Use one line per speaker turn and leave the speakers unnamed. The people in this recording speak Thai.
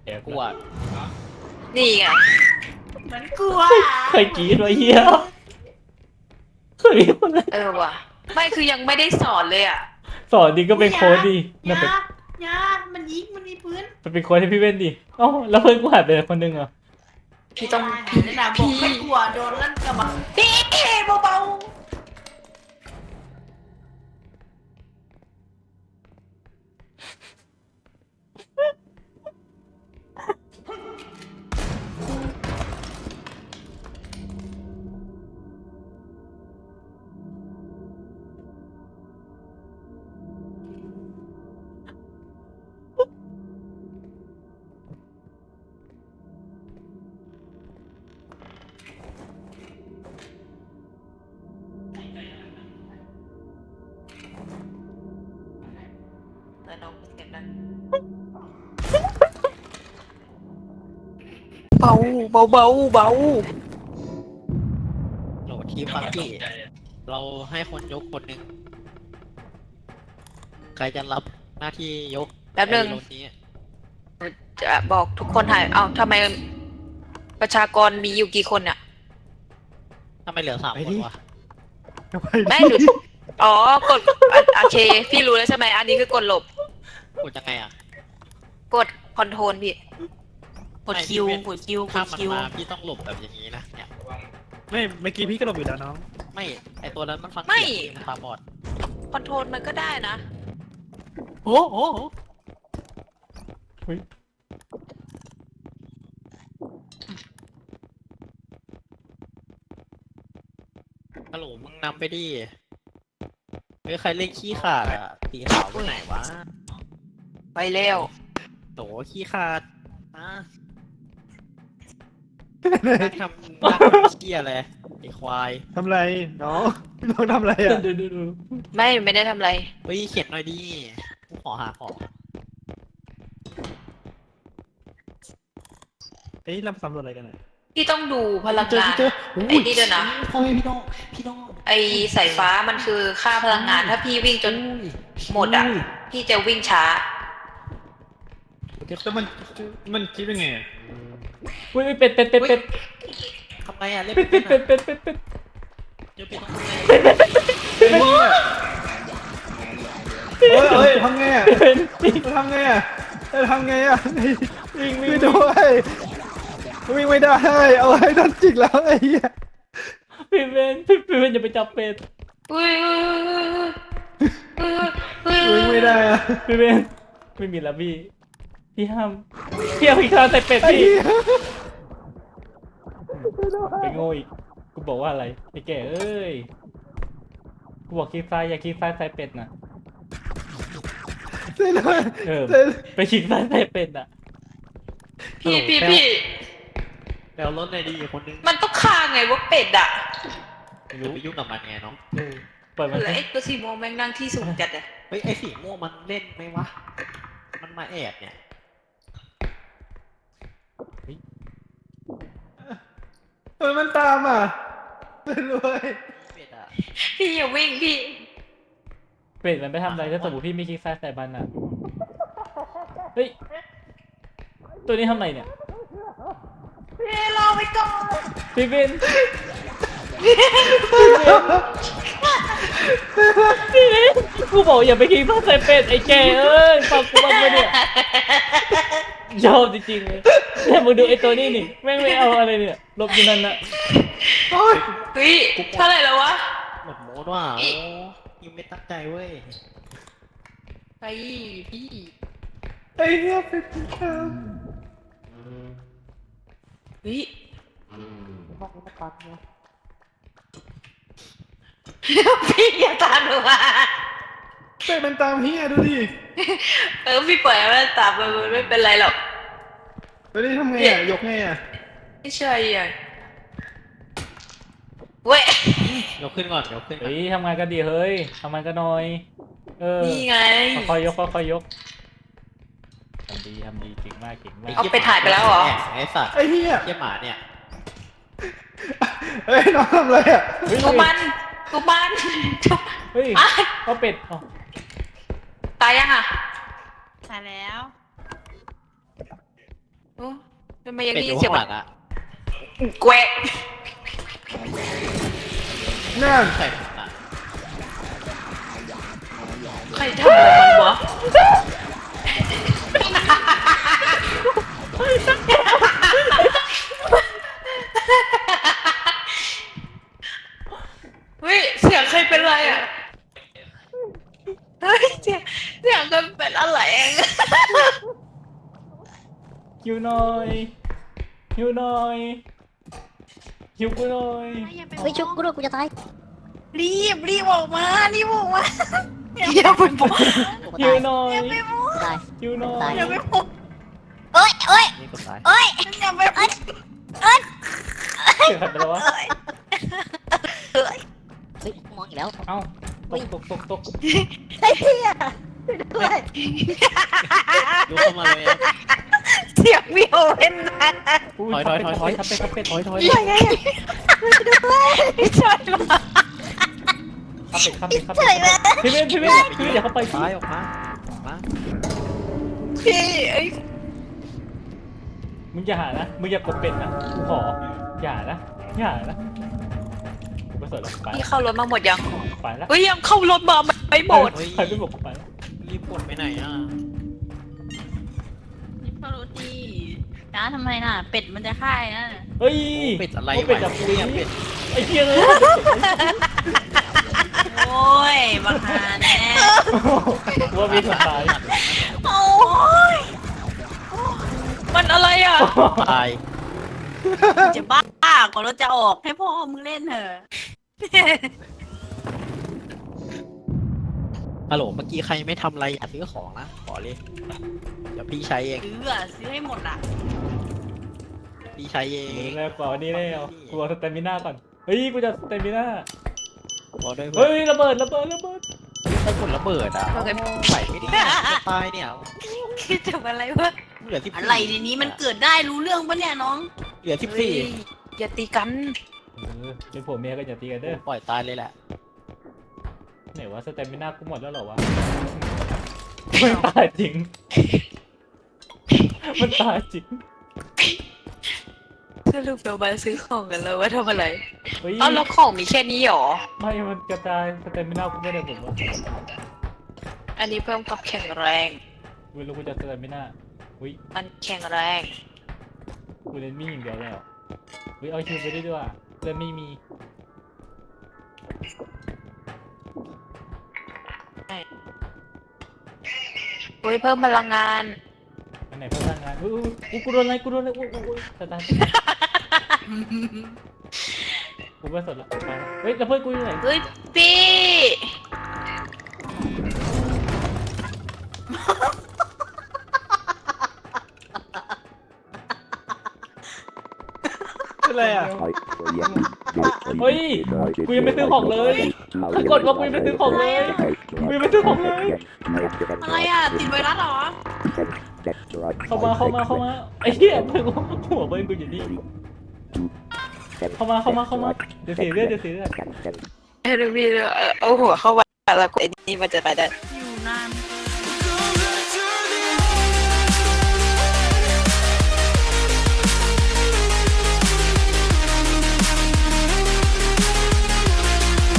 แอบ
กลัว
นี่ไง
เหมือนกลัว
เคยกรี๊ดไว้เฮียเคยมีคนเลย
ว่ะไม่คือยังไม่ได้สอนเลยอ่ะ
สอนดีก็เป็นโค้ดดี
ยา
น่าเป็น
ยามันยิงมันมีปืน
เป็นโค้ดให้พี่เว้นดิเอ้าแล้วเพื่อนกูหายไปคนนึงอ่ะ
พี่ต้อง
พี่เลยนะบอกไม่กลัวโดนลั่นกระบอกพี่เบา
แต่น้องเสียงดังเบาเบาเบาเบา
โหลดทีมฟังกี้เราให้คนยกคนหนึ่งใครจะรับหน้าที่ยก
แป๊บนึง
ไอ้โหลดนี้
จะบอกทุกคนหายเอ้าทำไมประชากรมีอยู่กี่คนเนี่ย
ถ้าไม่เหลือ3 คนวะ
ไม่หนูอ๋อกดโอเคพี่รู้แล้วใช่ไหมอันนี้คือกดหลบ
กดยังไงอ่ะ
กดคอนโทรลพี่
กดคิวกดคิวก
ถ้า
ด
มัน
คิว
มาพี่ต้องหลบแบบอย่างนี้นะเนี่ย
ไม่เมื่อกี้พี่ก็หลบอยู่แล้วน้อง
ไม่ไอตัวนั้นมันฟัง
ไม่
เสียงมันตาบอด
คอนโทรลมันก็ได้นะ
โอ้โห
ฮัลโหลมึงนำไปดิเฮ้ยใครเล่นขี้ขาดอ่ะสีขาวไปไหนวะ
ไปแล้ว
โหขี้ขาดนะนั่งทำเชี่ยเลยไอควาย
ทำไรน้องน้องทำไรอ่ะ
ดู
ไม่ได้ทำอะไร
เฮ้ยเขียนหน่อยดิกูขอหาของ
เอ้ยเราสำรวจอะไรกันอ่ะ
พี่ต้องดูพลังงาน
เจอ
ไอ้นี่ด้วยนะ
พ่อแม่พี่น้อง
ไอ้สายฟ้ามันคือค่าพลังงาน ถ้าพี่วิ่งจนหมดอ่ะ พี่จะวิ่งช้า
แล้วมันคิดยังไงอะ
อุ้ยเป็ด
ทำไงอ่ะเล่น
เป็
เป็
ด
น
เป็ด
อะ
เป็ดเป็ดเป็ด
เจอเป็ดต้องทำไง
เฮ้ยทำไงอ่ะ
เป็นจริง
ทำไงอ่ะทำไงอ่ะวิ่งด้วยวิ่งไม่ได้เอาให้โดนจิกแล้วไอ้เหี้ย
พี่เว้นอย่าไปจับเป็ด
อุ้ย
วิ่งไม่ได้อ่ะ
พี่เว้นไม่มีแล้วพี่ห้ามพี่เอาอีกครั้งใส่เป็ด
ไอ้
พี่
เหี้ย
ไปโง่อีกกูบอกว่าอะไรไอ้แก่เอ้ยกูบอกคลิกซ้ายอย่าคลิกซ้ายใส่เป็ดน่ะ
ช่วยหน่อย
เออ
ช่วย
ไปคลิกซ้ายใส่เป็ดน่ะ
พี่
แล้วรถในดีคนนึง
มันต้องฆ่าไงว่าเป็ดอ่ะ
ไม่รู้ไปยุ่งกับมันไงน้อง
ปล่อยมัน
แล้วไอ้ตัวสีม่วงแม่งนั่งที่สูงจัดอ่ะ
เฮ้ยไอสีม่วงมันเล่นไหมวะมันมาแอบเนี่ย
มันตามอ่ะไม่รู้เว้ย
เป็ดอ่ะ
พี่อย่าวิ่งพี่
เป็ดมันไปทำอะไรถ้าสมมติพี่ไม่คลิกซ้ายใส่มันน่ะเฮ้ยตัวนี้ทำไมเนี่ย
พี่รอไปก่อน
พี่เว้นกูบอกอย่าไปคลิกซ้ายใส่เป็ดไอ้แก่เอ้ยฟังกูบ้างไหมเนี่ยชอบจริงๆเลยแต่มึงดูไอ้ตัวนี้นี่แม่งไม่เอาอะไรเนี่ยหลบอยู่นั่นน่ะ
โอ๊ย
เฮ้ยเท่าไหร่แล้ววะ
หมดโมดว่ะโอ้ยังไม่ตั้งใจเว้ย
ไปพี่
ไอ้เหี้ยเป็นที่ท
เฮ้ย
ห้องนี้มันปันไง
พี่อย่าตามหนูมา
ำเป็นมันตามเฮียดูดิ
พี่ปล่อยมันตามมันไม่เป็นไรหรอก
แล้วนี่ทำไงอ่ะยกไงอ่ะ
ไม่ใช่อ่ะเว้ย
ยกขึ้นก่อนยกขึ้นก่อน
เฮ้ยทำงานกันดีเฮ้ยทำงานกันหน่อย
นี่ไง
ค่อยๆยกค่อยๆยกทำดีเก่งมาก
เอาไปถ่ายไปแล้วเหรอ
ไอสัตว์
ไอ้เฮีย
เยี่ยหมาเนี่ย
เฮ้ยน้องทำอะไรอ่ะ
กูมันทุบ
เฮ้ย
อ่ะ
ก็เป็ดอ๋อ
ตายยังอ่ะ
ตายแล้ว
อ้ทำไมยัง
เป็ด
ได้
อ
ยิน
ยู่
เสีย
ข้าง งห
แบ
ลั
บ
งอ่ะ
แกวะ
นั่น
ใส่ผมอ่ะ
ใครทำอะไรมันวะเฮ้ยเสียงใครเป็นไรอ่ะเฮ้ยเสียงกันเป็นอะไรเอง
หิวหน่อยหิวหน่อยหิวกูหน่อย
เฮ้ยชุบกูด้วยกูจะตาย
รีบออกมาอย่าไปบอก
กู
หิ
ตา
วย หน่อย
กูตาย
หิวหน่อ
ตาย
ย
อย่าไปบอก
เอ้ยเอ้ย
นี่กดซ้าย
เอ้ย
อย่าไปบอก
เสียงใครเป็นไรวะ
เฮ้ยมองอีกแล้ว
เอ้าตก
ไอ้เหี้ยด้วย
ลุกเข้ามาเลย
เสียงวิโอเว่นนะ
อุ้
ถอย
ทับเป็ด
ถอย
ทับเป็ด
ถอย
ไม่ใช่หรอก
ทับเป็ดพี่เว้นอย่าเข้าไป
ซ้ายออกมามา
พี่ไอ้
มึงอย่าหานะมึงอย่ากดเป็ดนะกูขออย่านะกูไม่สนหรอกไป
พี่เข้ารถมาหมดยัง
ไปแล้ว
เฮ้ยยังเข้ารถมาไม่หมด
ใครไม่บอกกูไปแล้ว
รีบกดไปไหนอ่ะ
นี่พอรู้ดีนะทำไมน่ะ เป็ดมันจะฆ่านะ
เฮ้ย
เป็ดอะไร
เป็ดจับ
วะ
กู
เนี่ยเป็ด
ไอ้เหี้ยเลย
โอ้ยบังหาแน่
ว่ามีสุดท้าย
โอ้ยมันอะไรอ่ะ
ตาย
จะบ้ากว่ารถจะออกให้พ่อมึงเล่นเถอะ
ฮัลโหลเมื่อกี้ใครไม่ทำอะไรอย่าซื้อของนะขอเลยเดี๋ยวพี่ใช้เอง
ซื้อให้หมดอ่ะ
พี่ใช้เอง
มึงแล้วกว่าวันนี้แล้วกูเอาสเตมิน่าก่อนเฮ้ยกูจะสเตมิน่า
บอกด้วย
เฮ้ยระเบิด
ถ้ากดระเบิดอ่ะ
โอเค
ใส่ไม่ได้จะตายเนี่ย
คิดถึงอะไรวะ
เหลือ14
อะไรในนี้มันเกิดได้รู้เรื่องปะเนี่ยน้อง
เหลือ
เฮ้ยอย่าตีกัน
เป็นผัวเมียกันอย่าตีกันเด้อ
14ปล่อยตายเลยแหละ
ไหนวะสเตมิน่ากูหมดแล้วเหรอวะมันตายจริงมันตายจริง
สรุปเรามาซื้อของกันแล้วว่าทำอะไร
เฮ้ย
เอ้าแล้วของมีแค่นี้หรอ
ไม่มันกระจายสเตมิน่ากูไม่ได้ผมวะ
อันนี้เพิ่มความแข็งแรง
เวลากูจะสเตมิน่าอุ้ย
มันแข็งแรง
กูเล่นมีอย่างเดียวแล้วอุ้ยเอาคิวไปได้ด้วยเล่นไม่มี
เฮ้ยเพิ่มพลังงาน
อันไหนเพิ่มพลังงานอุ้ยกูโดนอะไรอุ้ยตายกูไม่สนละไปละเฮ้ยแล้วเพื่อนกูอยู่ไหน
เฮ้ยพี่
เป็นไรอ่ะ
เฮ้ยกูยังไม่ซื้อของเลยกดว่ากูยังไม่ซื้อของเลยกูยังไม่ซื้อของเลย
อะไรอ่ะ ติดไวรัสเหรอ
เข้ามาไอ้เหี้ยถึงหัวเบิ้ลกูอยู่นี่เข้ามาเดี๋ยวเสียเลือด
เฮ้ยพี่เอาหัวเข้าไปแล้วไอ้นี่มันจะไปได้
อยู่นาน